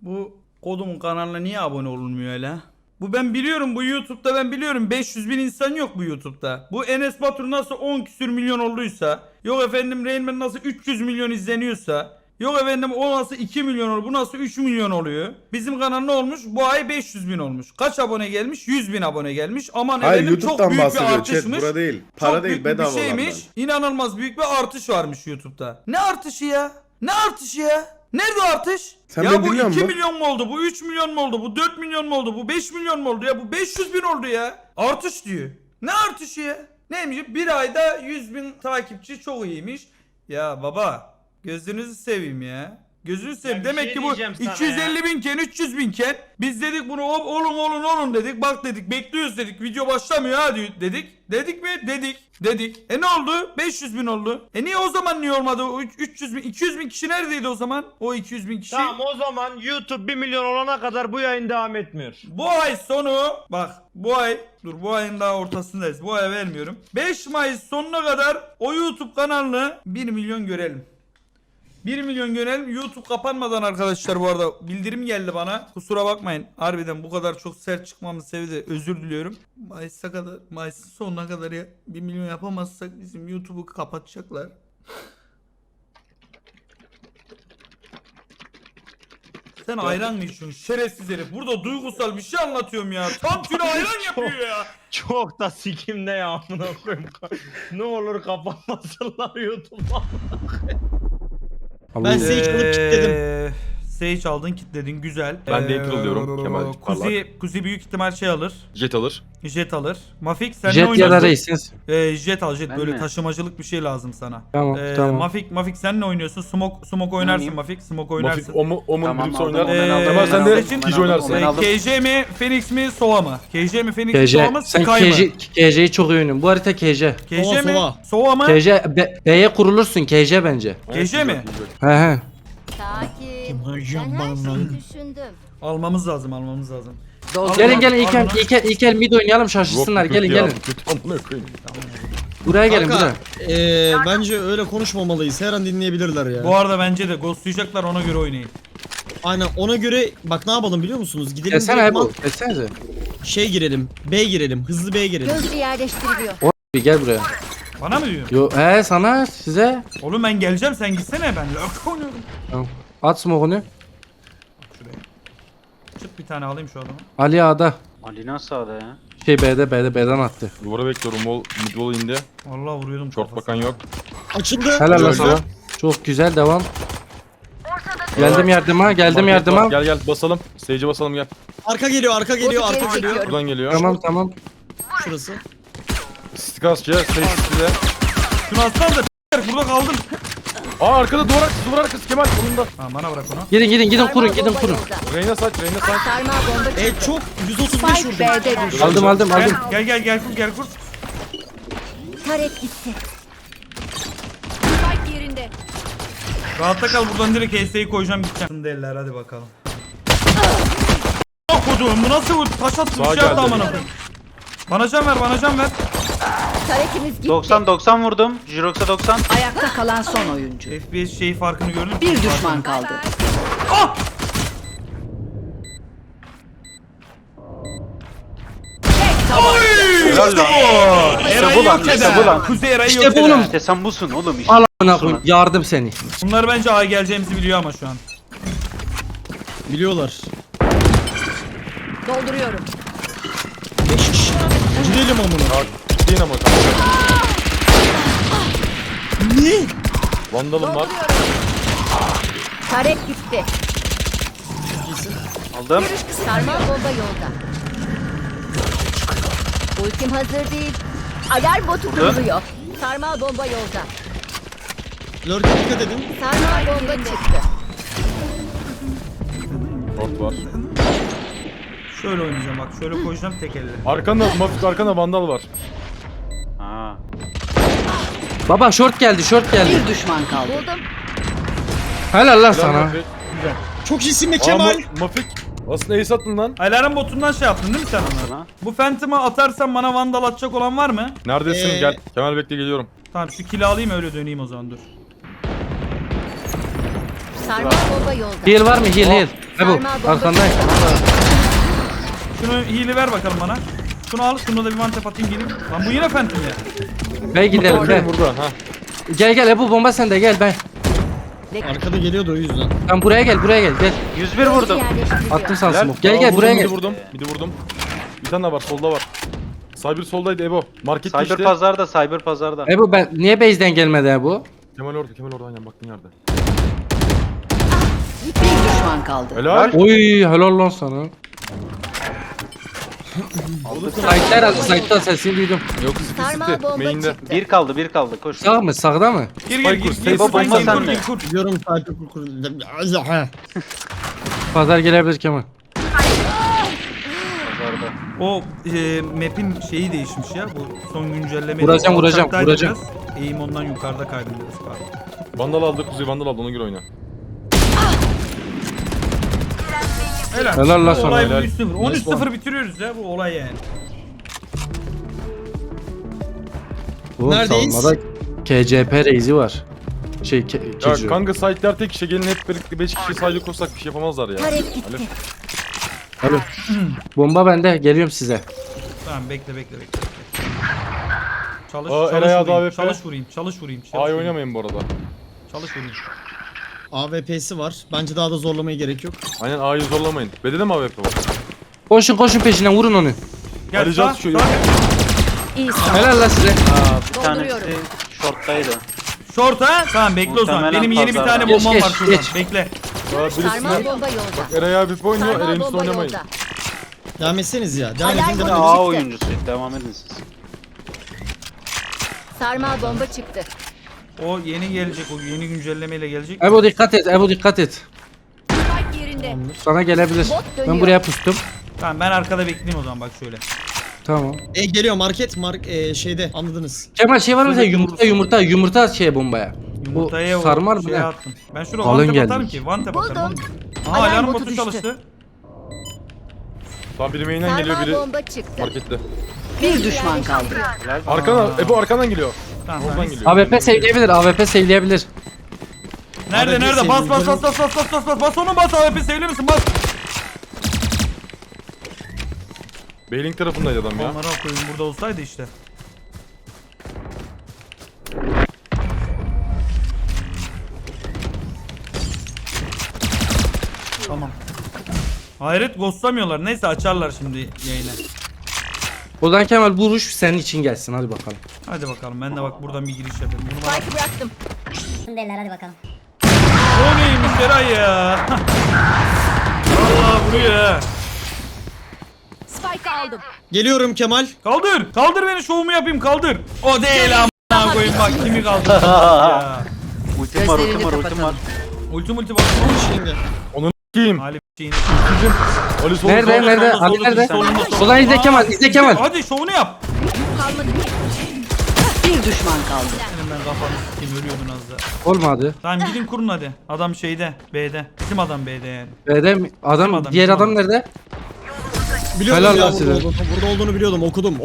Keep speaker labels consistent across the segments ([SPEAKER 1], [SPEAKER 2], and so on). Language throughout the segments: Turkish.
[SPEAKER 1] Bu kodumun kanalına niye abone olunmuyor öyle? Bu ben biliyorum, bu YouTube'da ben biliyorum 500 bin insan yok bu YouTube'da. Bu Enes Batur nasıl 10 küsür milyon olduysa, yok efendim Rainman nasıl 300 milyon izleniyorsa, yok efendim o nasıl 2 milyon oluyor, bu nasıl 3 milyon oluyor. Bizim kanal ne olmuş? Bu ay 500 bin olmuş. Kaç abone gelmiş? 100 bin abone gelmiş. Aman
[SPEAKER 2] Hayır,
[SPEAKER 1] efendim çok
[SPEAKER 2] YouTube'dan
[SPEAKER 1] büyük bir
[SPEAKER 2] bahsediyor.
[SPEAKER 1] artışmış.
[SPEAKER 2] Chat, bura değil. Para
[SPEAKER 1] Çok
[SPEAKER 2] değil,
[SPEAKER 1] büyük bir
[SPEAKER 2] bedava
[SPEAKER 1] şeymiş.
[SPEAKER 2] olandan.
[SPEAKER 1] İnanılmaz büyük bir artış varmış YouTube'da. Ne artışı ya? Ne artışı ya? Nerede artış?
[SPEAKER 2] Sen
[SPEAKER 1] ya
[SPEAKER 2] beni
[SPEAKER 1] bu
[SPEAKER 2] dinliyor
[SPEAKER 1] 2
[SPEAKER 2] musun?
[SPEAKER 1] milyon mu oldu? Bu 3 milyon mu oldu? Bu 4 milyon mu oldu? Bu 5 milyon mu oldu ya? Bu 500 bin oldu ya. Artış diyor. Ne artışı ya? Neymiş? Bir ayda 100 bin takipçi çok iyiymiş. Ya baba gözünüzü seveyim ya. Gözünü seveyim.
[SPEAKER 3] Ya bir
[SPEAKER 1] Demek
[SPEAKER 3] şey
[SPEAKER 1] ki bu
[SPEAKER 3] diyeceğim sana
[SPEAKER 1] 250
[SPEAKER 3] ya.
[SPEAKER 1] binken 300 binken biz dedik bunu olun dedik. Bak dedik bekliyoruz dedik. Video başlamıyor ha dedik. Dedik mi? Dedik. Ne oldu? 500 bin oldu. Niye o zaman niye olmadı? O 300 bin 200 bin kişi neredeydi o zaman? O 200 bin kişi.
[SPEAKER 3] Tamam o zaman YouTube 1 milyon olana kadar bu yayın devam etmiyor.
[SPEAKER 1] Bu ay sonu bak bu ayın daha ortasındayız. Bu ay vermiyorum. 5 Mayıs sonuna kadar o YouTube kanalını 1 milyon görelim. 1 milyon görelim. YouTube kapanmadan arkadaşlar bu arada bildirim geldi bana. Kusura bakmayın. Harbiden bu kadar çok sert çıkmamın sebebi de özür diliyorum. Mayıs'ın sonuna kadar ya 1 milyon yapamazsak bizim YouTube'u kapatacaklar. Sen ayran mı içiyorsun şerefsiz herif? Burada duygusal bir şey anlatıyorum ya. Tam tüne ayran yapıyor ya.
[SPEAKER 3] Çok da sikimde ya amına koyayım. Ne olur kapatmasınlar YouTube'u.
[SPEAKER 4] Ben Sage alıp kilitledim.
[SPEAKER 1] Sage aldın kilitledin güzel.
[SPEAKER 5] Ben de April diyorum, Kemal
[SPEAKER 1] Kuzi büyük ihtimal şey alır.
[SPEAKER 5] Jet alır.
[SPEAKER 1] Jet alır. Mafik sen ne
[SPEAKER 6] Jet ya da
[SPEAKER 1] oynuyorsun?
[SPEAKER 6] Reis'iniz.
[SPEAKER 1] Jet al jet
[SPEAKER 7] Ben
[SPEAKER 1] böyle
[SPEAKER 7] mi?
[SPEAKER 1] taşımacılık bir şey lazım sana.
[SPEAKER 6] Tamam tamam.
[SPEAKER 1] Mafik sen ne oynuyorsun? Smoke oynarsın
[SPEAKER 7] oynayayım?
[SPEAKER 1] Mafik. Smoke oynarsın.
[SPEAKER 5] Mafik Omun
[SPEAKER 7] Tamam,
[SPEAKER 5] Blitz
[SPEAKER 7] aldım.
[SPEAKER 5] oynar. Kemal sen de
[SPEAKER 1] Seçin.
[SPEAKER 5] Kij oynarsın.
[SPEAKER 7] Ben aldım.
[SPEAKER 1] KJ mi Phoenix mi Sova mı? KJ mi Phoenix mi
[SPEAKER 6] KJ.
[SPEAKER 1] Sova mı
[SPEAKER 6] Sen
[SPEAKER 1] Sky mı?
[SPEAKER 6] KJ'yi çok iyi oynuyorsun. Bu harita KJ.
[SPEAKER 1] KJ
[SPEAKER 4] Sova,
[SPEAKER 1] mi?
[SPEAKER 4] Sova.
[SPEAKER 1] Sova mı?
[SPEAKER 6] KJ B'ye kurulursun KJ bence.
[SPEAKER 1] KJ mi?
[SPEAKER 6] He he.
[SPEAKER 8] Sakin.
[SPEAKER 4] Hocam
[SPEAKER 8] Ben her
[SPEAKER 4] bana.
[SPEAKER 8] şeyi düşündüm.
[SPEAKER 1] Almamız lazım.
[SPEAKER 6] Gelin ilk el mid oynayalım şaşırsınlar. Gelin. Buraya gelin
[SPEAKER 4] Kanka,
[SPEAKER 6] buraya.
[SPEAKER 4] bence öyle konuşmamalıyız. Her an dinleyebilirler ya.
[SPEAKER 1] Bu arada bence de ghostlayacaklar ona göre oynayın.
[SPEAKER 4] Aynen ona göre bak ne yapalım biliyor musunuz? Gidelim
[SPEAKER 6] Desene
[SPEAKER 4] direktman
[SPEAKER 6] bu. Desenize.
[SPEAKER 4] şey girelim. B girelim. Hızlı B girelim.
[SPEAKER 8] Gözcü yerleştiriliyor.
[SPEAKER 6] Bir gel buraya.
[SPEAKER 1] Bana mı diyor?
[SPEAKER 6] Yo sana size.
[SPEAKER 1] Oğlum ben geleceğim sen gitsene ben lurk oynuyorum.
[SPEAKER 6] Tamam. At smoke'unu.
[SPEAKER 1] Şuraya. Çık bir tane alayım şu adamı.
[SPEAKER 6] Ali A'da.
[SPEAKER 7] Ali nasıl sağda ya?
[SPEAKER 6] Şey B'den attı.
[SPEAKER 5] Duvara bekliyorum. Mid wall indi.
[SPEAKER 1] Vallahi vuruyordum
[SPEAKER 5] Short
[SPEAKER 1] kafasına.
[SPEAKER 5] bakan yok.
[SPEAKER 4] Açıldı.
[SPEAKER 6] Helal lan
[SPEAKER 5] Öldü.
[SPEAKER 6] sana. Çok güzel devam. Geldim yardıma.
[SPEAKER 5] Market var. Gel basalım. Sage'e basalım gel.
[SPEAKER 4] Arka geliyor, arka geliyor,
[SPEAKER 8] Botu
[SPEAKER 4] arka
[SPEAKER 8] geri
[SPEAKER 4] geliyor.
[SPEAKER 8] çekiyorum.
[SPEAKER 5] Buradan geliyor.
[SPEAKER 6] Tamam.
[SPEAKER 4] Şurası.
[SPEAKER 5] Stikasçı. Sage Stick'le.
[SPEAKER 1] Şunu atsana da burada kaldım.
[SPEAKER 5] Arkada duvar arkası Kemal kolunda.
[SPEAKER 1] Ha bana bırak onu.
[SPEAKER 6] Gidin kurun.
[SPEAKER 8] Sarmal bomba yolda.
[SPEAKER 5] Reyna saç.
[SPEAKER 8] Sarmal bomba çıktı.
[SPEAKER 4] Çok 135
[SPEAKER 8] Spike
[SPEAKER 4] vurdum.
[SPEAKER 8] B'de düştü.
[SPEAKER 6] Aldım.
[SPEAKER 1] Gel kur.
[SPEAKER 8] Taret gitti. Spike yerinde.
[SPEAKER 1] Rahatta kal buradan direkt HS'yi koyacağım gideceğim. Derler hadi bakalım. Koduğum bu nasıl bu taş attı
[SPEAKER 5] Sağa
[SPEAKER 1] bir şey yaptı
[SPEAKER 5] geldi.
[SPEAKER 1] amına koyayım. Bana can ver.
[SPEAKER 8] Taretimiz gitti.
[SPEAKER 7] 90 vurdum. Jirox'a 90.
[SPEAKER 9] Ayakta kalan son oyuncu.
[SPEAKER 1] FPS şeyi farkını gördün mü?
[SPEAKER 9] Bir düşman kaldı.
[SPEAKER 5] Helal lan.
[SPEAKER 1] Eray'ı
[SPEAKER 7] bu lan,
[SPEAKER 1] yok
[SPEAKER 7] işte
[SPEAKER 1] eder.
[SPEAKER 7] bu lan.
[SPEAKER 1] Kuzey Eray'ı
[SPEAKER 6] İşte
[SPEAKER 1] yok
[SPEAKER 6] bu
[SPEAKER 1] eder.
[SPEAKER 6] oğlum.
[SPEAKER 7] İşte sen busun oğlum işte.
[SPEAKER 6] Al amına koyayım. Yardım seni.
[SPEAKER 1] Bunlar bence A'ya geleceğimizi biliyor ama şu an.
[SPEAKER 4] Biliyorlar.
[SPEAKER 9] Dolduruyorum.
[SPEAKER 4] 5 kişi. Gidelim amına.
[SPEAKER 5] Değil ama kanka.
[SPEAKER 4] Ne?
[SPEAKER 5] Vandalım var.
[SPEAKER 8] Taret gitti.
[SPEAKER 7] Aldım.
[SPEAKER 8] Sarmal bomba yolda. Ultim hazır değil. Alarm botu kuruluyor. Sarmal bomba yolda.
[SPEAKER 4] Lurk'e dikkat edin.
[SPEAKER 8] Sarmal bomba çıktı.
[SPEAKER 5] Short var.
[SPEAKER 1] Şöyle oynayacağım bak şöyle koyacağım tek elle.
[SPEAKER 5] Arkanda vandal var.
[SPEAKER 7] Ha.
[SPEAKER 6] Baba short geldi.
[SPEAKER 9] Bir düşman kaldı.
[SPEAKER 8] Buldum.
[SPEAKER 6] Helal lan
[SPEAKER 5] Helal
[SPEAKER 6] sana.
[SPEAKER 5] Mafik.
[SPEAKER 4] Çok iyisin be Kemal.
[SPEAKER 5] Mafik. Aslında ace attın lan.
[SPEAKER 1] Alarm botundan şey yaptın değil mi sen onları?
[SPEAKER 7] Sana.
[SPEAKER 1] Bu Phantom'ı atarsan bana vandal atacak olan var mı?
[SPEAKER 5] Neredesin? Gel. Kemal bekle geliyorum.
[SPEAKER 1] Tamam şu kili alayım öyle döneyim o zaman dur.
[SPEAKER 8] Sarmal bomba yolda.
[SPEAKER 6] Heal var mı? Heal. Ebu
[SPEAKER 8] Sarmal bomba
[SPEAKER 6] arkandayım.
[SPEAKER 1] Şunu hile ver bakalım bana. Şunu al, şunu da bir mantep atayım gelin. Lan bu yine Phantom ya.
[SPEAKER 6] Bey gidelim be.
[SPEAKER 5] Burada ha.
[SPEAKER 6] Gel gel Ebu bomba sende gel ben.
[SPEAKER 4] Arkada geliyordu o yüzden.
[SPEAKER 6] Ben buraya gel gel.
[SPEAKER 7] 101 vurdum.
[SPEAKER 6] Attım sana
[SPEAKER 7] Helal.
[SPEAKER 6] smoke. Gel
[SPEAKER 5] Aa,
[SPEAKER 6] buraya
[SPEAKER 5] vurdum,
[SPEAKER 6] gel.
[SPEAKER 5] Bir vurdum. Bir vurdum. Bir tane daha var. Solda var. Cyber soldaydı Ebo. Market
[SPEAKER 7] Cyber
[SPEAKER 5] geçti.
[SPEAKER 7] pazarda, cyber pazarda.
[SPEAKER 6] Ebu ben niye base'den gelmedi Ebu?
[SPEAKER 5] Kemal orada. Kemal orada. Aynen baktığın yerde.
[SPEAKER 9] Bir düşman kaldı.
[SPEAKER 5] Helal.
[SPEAKER 6] Oy helal lan sana. Site'ler aldı site'da sesini duydum.
[SPEAKER 5] Yok City
[SPEAKER 8] Sarmal
[SPEAKER 5] City.
[SPEAKER 8] bomba
[SPEAKER 5] Main'de.
[SPEAKER 8] çıktı.
[SPEAKER 7] Bir kaldı, koş.
[SPEAKER 6] Sağ mı sağda mı?
[SPEAKER 1] Gir
[SPEAKER 5] Spike
[SPEAKER 1] gir
[SPEAKER 5] kur,
[SPEAKER 1] gir.
[SPEAKER 5] Spike
[SPEAKER 1] Gir
[SPEAKER 7] kur,
[SPEAKER 1] Spike
[SPEAKER 7] bomba
[SPEAKER 1] kur,
[SPEAKER 7] sende.
[SPEAKER 1] gir kur.
[SPEAKER 4] Biliyorum sadece kur.
[SPEAKER 6] Pazar gelebilir Kemal.
[SPEAKER 7] Pazarda.
[SPEAKER 1] O map'in şeyi değişmiş ya. Bu son güncelleme.
[SPEAKER 6] Vuracağım.
[SPEAKER 1] Eğim ondan yukarıda kaydım biraz. Pardon.
[SPEAKER 5] Vandal aldı. Kuzey Vandal aldı. Ona göre oyna.
[SPEAKER 6] Helal la
[SPEAKER 1] Bu olay
[SPEAKER 6] sana.
[SPEAKER 1] bu 3-0. 13-0 bitiriyoruz ya bu olay yani.
[SPEAKER 6] Oğlum
[SPEAKER 4] Neredeyiz?
[SPEAKER 6] savunmada KCP reisi var.
[SPEAKER 5] Ya
[SPEAKER 6] Kejo.
[SPEAKER 5] kanka site'ler tek kişi. Gelin hep birlikte 5 kişi sahile koşsak bir şey yapamazlar ya.
[SPEAKER 8] Tarek gitti.
[SPEAKER 6] Alo. Bomba bende geliyorum size.
[SPEAKER 1] Tamam bekle. Çalış,
[SPEAKER 5] Aa,
[SPEAKER 1] çalış
[SPEAKER 5] Eray
[SPEAKER 1] vurayım,
[SPEAKER 5] AWP.
[SPEAKER 1] çalış vurayım.
[SPEAKER 5] Ay oynamayın bu arada.
[SPEAKER 1] Çalış vurayım.
[SPEAKER 4] AWP'si var. Bence daha da zorlamaya gerek yok.
[SPEAKER 5] Aynen A'yı zorlamayın. B'de de mi AWP var?
[SPEAKER 6] Koşun peşinden vurun onu.
[SPEAKER 1] Gel
[SPEAKER 5] Arayacağız
[SPEAKER 1] sağ,
[SPEAKER 5] şu-
[SPEAKER 1] sağ.
[SPEAKER 8] İyi
[SPEAKER 6] Helal la size.
[SPEAKER 7] Bir tanesi short'taydı.
[SPEAKER 1] Short ha? Tamam bekle o zaman.
[SPEAKER 7] Muhtemelen
[SPEAKER 1] Benim yeni bir
[SPEAKER 7] pazarda.
[SPEAKER 1] tane bombam
[SPEAKER 6] Geç,
[SPEAKER 1] var şuradan.
[SPEAKER 6] geç.
[SPEAKER 1] Bekle.
[SPEAKER 5] Birisi
[SPEAKER 8] Sarmal bomba yolda.
[SPEAKER 5] Eray AWP oynuyor.
[SPEAKER 8] Sarmal
[SPEAKER 5] Eray'ın üstüne
[SPEAKER 8] bomba
[SPEAKER 5] oynamayın.
[SPEAKER 8] yolda.
[SPEAKER 4] Devam etseniz ya. Devam
[SPEAKER 8] Alarm
[SPEAKER 4] edin
[SPEAKER 8] botu
[SPEAKER 4] devam
[SPEAKER 7] A
[SPEAKER 4] edin.
[SPEAKER 7] oyuncusu. Devam edin siz.
[SPEAKER 8] Sarmal bomba çıktı.
[SPEAKER 1] O yeni gelecek. O yeni güncellemeyle gelecek.
[SPEAKER 6] Ebu dikkat et.
[SPEAKER 8] Spike yerinde.
[SPEAKER 6] Sana gelebilir.
[SPEAKER 8] Bot dönüyor.
[SPEAKER 6] Ben buraya pustum.
[SPEAKER 1] Tamam ben arkada bekleyeyim o zaman bak şöyle.
[SPEAKER 6] Tamam.
[SPEAKER 4] Geliyor market. Şeyde anladınız.
[SPEAKER 6] Kemal şey var mı sen
[SPEAKER 1] Şöyle
[SPEAKER 6] yumurta şey bombaya.
[SPEAKER 1] Yumurtaya
[SPEAKER 6] Bu sarmar
[SPEAKER 1] o
[SPEAKER 6] mı
[SPEAKER 1] şeye
[SPEAKER 6] ne?
[SPEAKER 1] attım. Ben şuraya
[SPEAKER 6] Kalın
[SPEAKER 1] one tap
[SPEAKER 6] gelmiş.
[SPEAKER 1] atarım ki. One tap atarım.
[SPEAKER 8] Buldum.
[SPEAKER 1] Aha
[SPEAKER 8] Alarm
[SPEAKER 1] alarm
[SPEAKER 8] botu
[SPEAKER 1] botu
[SPEAKER 8] düştü.
[SPEAKER 1] çalıştı.
[SPEAKER 5] Tamam biri main'den geliyor
[SPEAKER 8] Sarmal
[SPEAKER 5] biri
[SPEAKER 8] bomba çıktı.
[SPEAKER 5] markette.
[SPEAKER 9] Bir düşman kaldı.
[SPEAKER 7] Helal.
[SPEAKER 5] Arkadan Ebo arkandan geliyor.
[SPEAKER 1] Tamam.
[SPEAKER 5] Oradan
[SPEAKER 1] tamam.
[SPEAKER 5] geliyor.
[SPEAKER 6] AWP sevleyebilir.
[SPEAKER 1] Nerede
[SPEAKER 4] Abi,
[SPEAKER 1] nerede? Bas
[SPEAKER 4] bir
[SPEAKER 1] bas
[SPEAKER 4] seveyim.
[SPEAKER 1] bas. Bas onu bas AWP sevli misin? Bas.
[SPEAKER 5] Bailing tarafındaydı adam ya.
[SPEAKER 1] Onlara koyayım burada olsaydı işte. Tamam. Hayret ghostlamıyorlar. Neyse açarlar şimdi yayını.
[SPEAKER 6] O zaman Kemal vuruş senin için gelsin hadi bakalım.
[SPEAKER 1] Hadi bakalım ben de bak buradan bir giriş yapayım. Bunu bana...
[SPEAKER 8] Spike bıraktım.
[SPEAKER 2] Beyler hadi bakalım.
[SPEAKER 1] O neymiş Eray ya? Vallahi vuruyor ha.
[SPEAKER 8] Spike aldım.
[SPEAKER 4] Geliyorum Kemal.
[SPEAKER 1] Kaldır. Kaldır beni şovumu yapayım kaldır. O değil amına koyayım bak kimi kaldır. ya.
[SPEAKER 7] Ultim var,
[SPEAKER 9] Gözlerini
[SPEAKER 7] ultim var.
[SPEAKER 9] kapatalım.
[SPEAKER 1] Ulti bak.
[SPEAKER 4] Şimdi.
[SPEAKER 5] Kim?
[SPEAKER 1] Ali şeyini.
[SPEAKER 5] Ali sol.
[SPEAKER 6] Nerede
[SPEAKER 5] sol.
[SPEAKER 6] nerede?
[SPEAKER 1] solda,
[SPEAKER 6] Ali
[SPEAKER 1] solda,
[SPEAKER 6] nerede?
[SPEAKER 1] solda, solda.
[SPEAKER 6] Ulan izle Kemal izle Kemal.
[SPEAKER 1] Hadi şovunu yap.
[SPEAKER 8] Kalmadı ki.
[SPEAKER 9] Bir düşman kaldı.
[SPEAKER 1] Senin ben kafanı s**eyim ölüyordun az da.
[SPEAKER 6] Olmadı.
[SPEAKER 1] Tamam gidin kurun hadi. Adam şeyde B'de. Bizim adam B'de yani.
[SPEAKER 6] B'de adam
[SPEAKER 1] adam,
[SPEAKER 6] diğer
[SPEAKER 1] bizim
[SPEAKER 6] adam
[SPEAKER 1] adam.
[SPEAKER 6] nerede?
[SPEAKER 4] Biliyordum
[SPEAKER 6] Helal
[SPEAKER 4] ya
[SPEAKER 6] lan size.
[SPEAKER 4] burada olduğunu biliyordum. Okudum.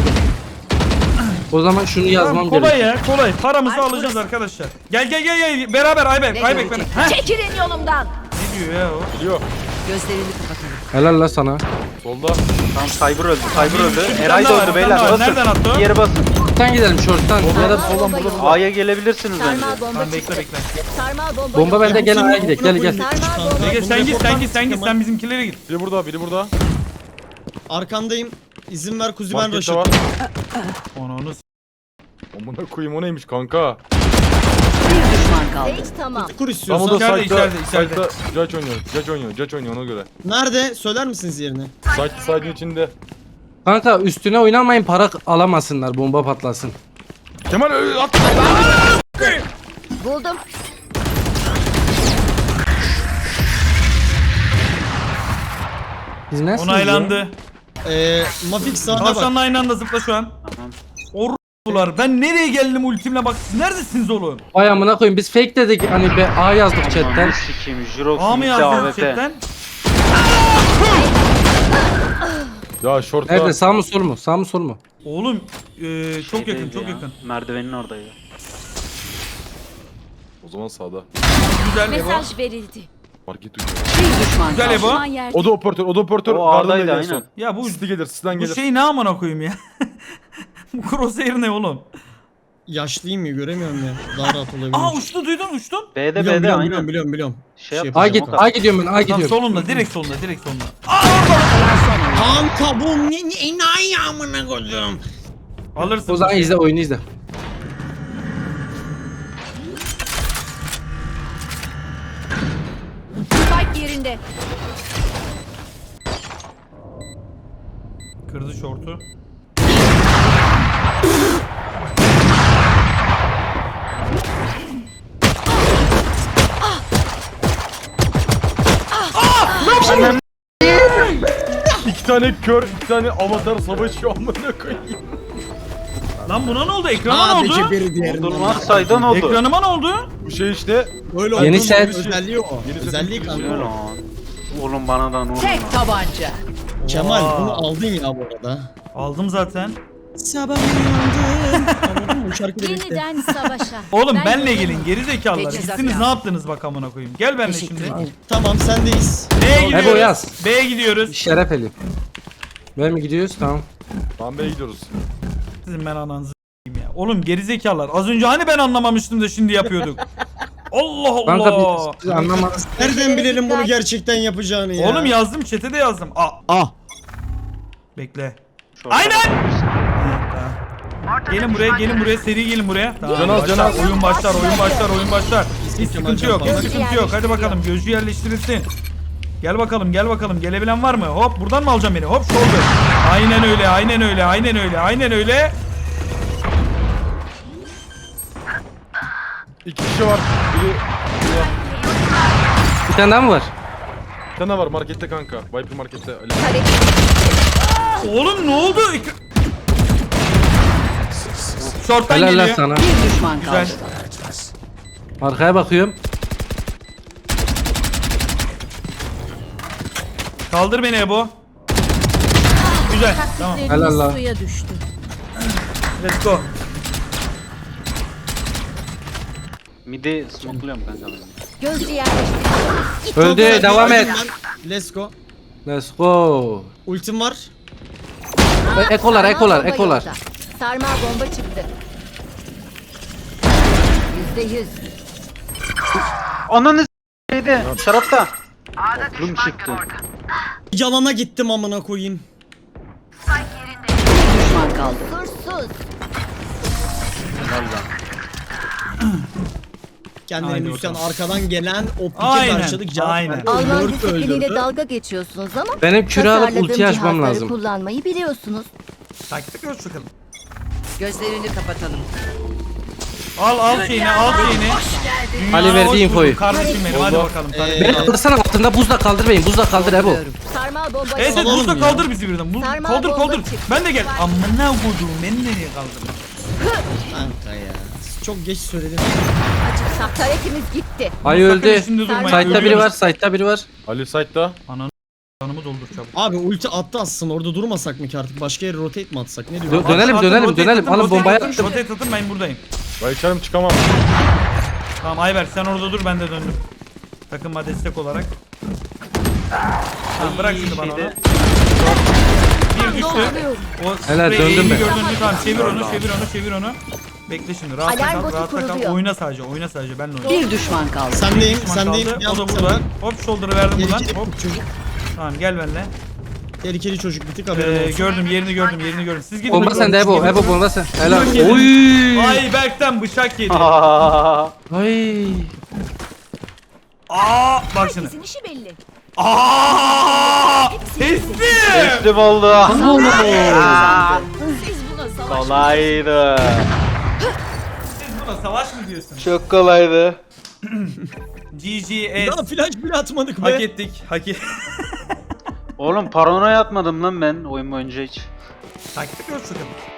[SPEAKER 6] O zaman şunu yazmam
[SPEAKER 1] Tamam kolay
[SPEAKER 6] gerek.
[SPEAKER 1] ya kolay. Paramızı
[SPEAKER 8] Ay,
[SPEAKER 1] alacağız
[SPEAKER 8] burası.
[SPEAKER 1] arkadaşlar. Gel. Beraber Ayberk beni.
[SPEAKER 9] görecekler?
[SPEAKER 1] Heh.
[SPEAKER 8] Çekilin yolumdan.
[SPEAKER 1] Ne diyor ya o?
[SPEAKER 5] Geliyor.
[SPEAKER 9] Gözlerini kapatalım.
[SPEAKER 6] Helal la sana.
[SPEAKER 5] Solda.
[SPEAKER 7] Tamam Cyber öldü, Cyber öldü.
[SPEAKER 1] Bir
[SPEAKER 7] Eray
[SPEAKER 1] tane daha
[SPEAKER 7] da
[SPEAKER 1] var,
[SPEAKER 7] öldü
[SPEAKER 1] bir
[SPEAKER 7] beyler.
[SPEAKER 1] tane daha var.
[SPEAKER 7] Basın.
[SPEAKER 1] Nereden attı o?
[SPEAKER 7] Bir yere basın.
[SPEAKER 6] Short'tan gidelim short'tan. Ya da
[SPEAKER 8] Sarmal bomba yolda.
[SPEAKER 7] A'ya gelebilirsiniz bence.
[SPEAKER 8] Sarmal bomba
[SPEAKER 1] Tamam
[SPEAKER 8] çıktı.
[SPEAKER 1] bekle.
[SPEAKER 8] Sarmal bomba
[SPEAKER 6] bomba
[SPEAKER 8] yolda.
[SPEAKER 6] bende gel A'ya gidelim gel.
[SPEAKER 8] Sarmal bomba.
[SPEAKER 1] Ege sen git sen git
[SPEAKER 4] Kemal.
[SPEAKER 1] sen bizimkilere git.
[SPEAKER 5] Biri burada, biri burada.
[SPEAKER 4] Arkandayım. İzin ver kuzi ben
[SPEAKER 5] Markette
[SPEAKER 4] Raşit.
[SPEAKER 5] var.
[SPEAKER 1] Onu
[SPEAKER 5] Amına koyayım o neymiş kanka?
[SPEAKER 9] Bir düşman kaldı.
[SPEAKER 8] Hiç tamam.
[SPEAKER 4] Kur
[SPEAKER 5] Tam
[SPEAKER 4] istiyorsan.
[SPEAKER 5] o da
[SPEAKER 1] İçeride,
[SPEAKER 5] site'da,
[SPEAKER 1] içeride.
[SPEAKER 5] site'da Judge oynuyor ona göre.
[SPEAKER 4] Nerede? Söyler misiniz yerini?
[SPEAKER 5] Site'in içinde.
[SPEAKER 6] Kanka üstüne oynamayın para alamasınlar bomba patlasın.
[SPEAKER 5] Kemal at.
[SPEAKER 8] Buldum.
[SPEAKER 6] Biz ne
[SPEAKER 1] onaylandı.
[SPEAKER 4] Mafik sağına bak.
[SPEAKER 1] Tavşanla aynı anda zıpla şu an.
[SPEAKER 7] Tamam.
[SPEAKER 1] Orrular. Ben nereye geldim ultimle bak. Siz neredesiniz oğlum?
[SPEAKER 6] Vay amına koyayım biz fake dedik hani be A yazdık chatten.
[SPEAKER 7] Ananı sikeyim. Jirox
[SPEAKER 1] A mı
[SPEAKER 7] bitti
[SPEAKER 1] yazdınız
[SPEAKER 7] AWP.
[SPEAKER 1] chatten?
[SPEAKER 5] Ya short'ta.
[SPEAKER 6] Nerede sağ mı sol mu? Sağ mı sol mu?
[SPEAKER 1] Oğlum çok yakın
[SPEAKER 7] Şeydeydi
[SPEAKER 1] çok
[SPEAKER 7] ya,
[SPEAKER 1] yakın.
[SPEAKER 7] Merdivenin oradaydı.
[SPEAKER 5] O zaman sağda.
[SPEAKER 1] Güzel Evo.
[SPEAKER 8] Mesaj verildi.
[SPEAKER 5] Market duyuyor.
[SPEAKER 9] Bir düşman
[SPEAKER 1] Güzel
[SPEAKER 9] kaldı.
[SPEAKER 1] Ebo.
[SPEAKER 8] Düşman yerde.
[SPEAKER 5] O da operatör, o da operatör.
[SPEAKER 7] O A'daydı,
[SPEAKER 5] Gardındaydı en son.
[SPEAKER 7] aynen.
[SPEAKER 1] Ya bu
[SPEAKER 5] Sisli gelir, sizden
[SPEAKER 1] bu
[SPEAKER 5] gelir.
[SPEAKER 1] şey ne amına koyayım ya? Bu crosshair ne oğlum?
[SPEAKER 4] Yaşlıyım ya göremiyorum ya. Daha rahat olabilir.
[SPEAKER 1] Aa uçtu duydun uçtun.
[SPEAKER 7] B'de
[SPEAKER 4] Biliyorum,
[SPEAKER 7] B'de aynen.
[SPEAKER 4] biliyorum.
[SPEAKER 7] Şey yap.
[SPEAKER 6] A git,
[SPEAKER 4] yapacağım.
[SPEAKER 6] A gidiyorum ben, A
[SPEAKER 1] Tam
[SPEAKER 6] gidiyorum.
[SPEAKER 1] solunda direkt solunda direkt solunda.
[SPEAKER 4] Kanka bu ne enayi amına koydum.
[SPEAKER 1] Alırsın.
[SPEAKER 6] O zaman izle, oyunu izle.
[SPEAKER 8] Spike yerinde.
[SPEAKER 1] Kırdı şortu.
[SPEAKER 5] İki tane kör, iki tane avatar savaşıyor amına koyayım.
[SPEAKER 1] Lan buna ne oldu? Ekrana ne
[SPEAKER 4] Sadece
[SPEAKER 1] oldu?
[SPEAKER 4] biri diğerinden.
[SPEAKER 7] Durmaz saydan oldu.
[SPEAKER 1] Ekranıma ne oldu?
[SPEAKER 5] Bu şey işte.
[SPEAKER 4] Öyle
[SPEAKER 6] Yeni
[SPEAKER 4] olduğunu
[SPEAKER 6] set.
[SPEAKER 4] özelliği o.
[SPEAKER 5] Yeni
[SPEAKER 4] Özelliği
[SPEAKER 5] set.
[SPEAKER 4] kanka.
[SPEAKER 7] Ne
[SPEAKER 4] o.
[SPEAKER 7] lan? Oğlum bana da ne
[SPEAKER 9] Tek tabanca.
[SPEAKER 4] Kemal
[SPEAKER 1] Oha.
[SPEAKER 4] bunu aldın ya bu arada.
[SPEAKER 1] Aldım zaten.
[SPEAKER 4] Sabah uyandım. Anladın mı? Bu şarkı da bitti.
[SPEAKER 8] Yeniden savaşa.
[SPEAKER 1] Oğlum
[SPEAKER 8] Ben
[SPEAKER 1] benle
[SPEAKER 8] yokum.
[SPEAKER 1] gelin geri zekalılar.
[SPEAKER 9] Teçhizat
[SPEAKER 1] Gittiniz
[SPEAKER 9] ya.
[SPEAKER 1] ne yaptınız bak amına koyayım. Gel benle
[SPEAKER 9] Teşekkür
[SPEAKER 1] şimdi.
[SPEAKER 9] ederim.
[SPEAKER 4] Tamam sendeyiz.
[SPEAKER 1] B'ye gidiyoruz.
[SPEAKER 6] Ebo yaz.
[SPEAKER 1] B'ye gidiyoruz.
[SPEAKER 6] Şeref eli. Böyle mi gidiyoruz? Tamam.
[SPEAKER 5] Tamam B'ye gidiyoruz.
[SPEAKER 1] Sizin ben ananızı s**eyim ya. Oğlum geri zekalılar. Az önce hani ben anlamamıştım da şimdi yapıyorduk. Allah Allah.
[SPEAKER 6] Kanka biz anlamadınız.
[SPEAKER 4] Nereden bilelim bunu gerçekten yapacağını ya?
[SPEAKER 1] Oğlum yazdım chat'e de yazdım. Bekle.
[SPEAKER 7] Şorta
[SPEAKER 1] Aynen.
[SPEAKER 7] bakıyoruz.
[SPEAKER 1] Gelin buraya seri gelin buraya. Tamam,
[SPEAKER 5] Can az,
[SPEAKER 1] başlar.
[SPEAKER 5] can az.
[SPEAKER 1] Oyun başlar. Hiç
[SPEAKER 4] Kemal
[SPEAKER 1] sıkıntı yok,
[SPEAKER 4] Can
[SPEAKER 1] hiç sıkıntı yok. Hadi bakalım gözcü yerleştirilsin. Gel bakalım. Gelebilen var mı? Hop buradan mı alacağım beni? Hop shoulder. Aynen öyle.
[SPEAKER 5] İki kişi var. Biri...
[SPEAKER 6] Bir tane daha mı var?
[SPEAKER 5] Bir tane var markette kanka. Viper markette. Ali.
[SPEAKER 1] Oğlum ne oldu? Short'tan
[SPEAKER 6] Helal lan
[SPEAKER 1] geliyor.
[SPEAKER 6] sana.
[SPEAKER 9] Bir düşman
[SPEAKER 1] Güzel.
[SPEAKER 9] kaldı.
[SPEAKER 6] Arkaya bakıyorum.
[SPEAKER 1] Kaldır beni Ebo. Güzel. Tamam.
[SPEAKER 6] Helal lan.
[SPEAKER 8] Suya düştü.
[SPEAKER 1] Let's go.
[SPEAKER 7] Midi smokluyorum kanka ben.
[SPEAKER 8] Gözcü yerleştirildi.
[SPEAKER 6] Öldü, devam et.
[SPEAKER 4] Let's go.
[SPEAKER 6] Let's go.
[SPEAKER 4] Ultim var.
[SPEAKER 6] Ekolar.
[SPEAKER 8] Sarmal bomba yolda. Sarmal bomba çıktı. %100.
[SPEAKER 7] Ananı s**eydi. Şarapta. Oklum çıktı.
[SPEAKER 4] Yalana gittim amına koyayım.
[SPEAKER 9] Bir düşman kaldı.
[SPEAKER 8] Kursuz.
[SPEAKER 4] Kendini
[SPEAKER 1] Haydi
[SPEAKER 4] Müslüman
[SPEAKER 1] bakalım.
[SPEAKER 4] arkadan gelen o pike
[SPEAKER 1] Aynen,
[SPEAKER 4] karşılık cevap
[SPEAKER 1] aynen.
[SPEAKER 4] verdi.
[SPEAKER 8] Alman
[SPEAKER 4] Lord
[SPEAKER 8] disipliniyle
[SPEAKER 4] öldürdü.
[SPEAKER 8] dalga geçiyorsunuz ama
[SPEAKER 6] Benim küre alıp
[SPEAKER 8] tasarladığım
[SPEAKER 6] ulti açmam
[SPEAKER 8] cihazları
[SPEAKER 6] lazım.
[SPEAKER 8] kullanmayı biliyorsunuz.
[SPEAKER 1] Taktik ölç bakalım.
[SPEAKER 9] Gözlerini kapatalım.
[SPEAKER 1] Al şeyini.
[SPEAKER 6] Ali
[SPEAKER 1] Dünya
[SPEAKER 6] verdi
[SPEAKER 1] hoş
[SPEAKER 6] infoyu.
[SPEAKER 1] bulduk Kardeşim benim hadi bakalım.
[SPEAKER 6] Beni kaldırsana altında buzla kaldır beyim. Buzla kaldır Ebo.
[SPEAKER 8] Sarmal bomba
[SPEAKER 1] Evet
[SPEAKER 8] yolda.
[SPEAKER 4] Salalım
[SPEAKER 1] buzda
[SPEAKER 4] ya.
[SPEAKER 1] kaldır bizi birden.
[SPEAKER 8] Sarmal
[SPEAKER 1] Kaldır
[SPEAKER 8] bomba
[SPEAKER 1] kaldır.
[SPEAKER 8] çıktı.
[SPEAKER 1] Ben de gel. Amına koydum beni nereye kaldırdın?
[SPEAKER 4] Kanka ya. Çok geç söyledim.
[SPEAKER 8] Açık taretimiz gitti.
[SPEAKER 6] Ay
[SPEAKER 1] Sakın
[SPEAKER 6] öldü.
[SPEAKER 1] içinde durmayın,
[SPEAKER 6] Site'da biri
[SPEAKER 1] ölüyoruz.
[SPEAKER 6] var, site'da biri var.
[SPEAKER 5] Ali site'da.
[SPEAKER 1] Canımı doldur çabuk.
[SPEAKER 4] Abi ulti attı aslında orada durmasak mı ki artık başka yere rotate mi atsak ne diyorsun?
[SPEAKER 6] Dönelim.
[SPEAKER 1] Rotate atın,
[SPEAKER 6] Alın bombayı
[SPEAKER 1] atın.
[SPEAKER 6] attım.
[SPEAKER 1] Rotate atın ben buradayım.
[SPEAKER 5] Ben içerim çıkamam.
[SPEAKER 1] Tamam Ayberk sen orada dur ben de döndüm. Takıma destek olarak. Tamam bırak şimdi bana onu. Bir düştü. O
[SPEAKER 6] Helal,
[SPEAKER 1] sprey
[SPEAKER 6] döndüm
[SPEAKER 1] eğimi
[SPEAKER 6] ben.
[SPEAKER 1] gördün mü? Tamam çevir onu. Bekle şimdi rahatta
[SPEAKER 8] Alarm
[SPEAKER 1] kal
[SPEAKER 8] botu
[SPEAKER 1] rahatta kal.
[SPEAKER 8] kuruluyor.
[SPEAKER 1] Oyna sadece benle oyna.
[SPEAKER 9] Bir düşman kaldı.
[SPEAKER 4] Sendeyim
[SPEAKER 1] Düşman
[SPEAKER 4] sendeyim.
[SPEAKER 1] kaldı. O
[SPEAKER 4] Yalnız
[SPEAKER 1] da burada.
[SPEAKER 4] sen-
[SPEAKER 1] Hop shoulder'ı verdim buradan.
[SPEAKER 4] Tehlikeli
[SPEAKER 1] Hop.
[SPEAKER 4] çocuk.
[SPEAKER 1] Tamam gel benimle.
[SPEAKER 4] Tehlikeli çocuk bitik haberin olsun.
[SPEAKER 1] Gördüm yerini gördüm. Siz gidin.
[SPEAKER 6] Bomba sende Ebo. Ebo bomba sen. Helal.
[SPEAKER 1] Bıçak yedi.
[SPEAKER 6] Oy.
[SPEAKER 1] Ayberk'ten bıçak yedi.
[SPEAKER 6] Ay.
[SPEAKER 1] Bak şimdi.
[SPEAKER 8] Herkesin işi belli.
[SPEAKER 1] Teslim.
[SPEAKER 7] Teslim oldu.
[SPEAKER 8] Siz buna savaş.
[SPEAKER 7] Kolaydı.
[SPEAKER 1] Siz buna savaş mı diyorsun?
[SPEAKER 7] Çok kolaydı.
[SPEAKER 1] GGS.
[SPEAKER 4] Daha flash bile atmadık
[SPEAKER 1] Hak
[SPEAKER 4] be.
[SPEAKER 1] ettik.
[SPEAKER 7] Oğlum paranoya atmadım lan ben oyun boyunca hiç.
[SPEAKER 1] Taktik ölçüyorum.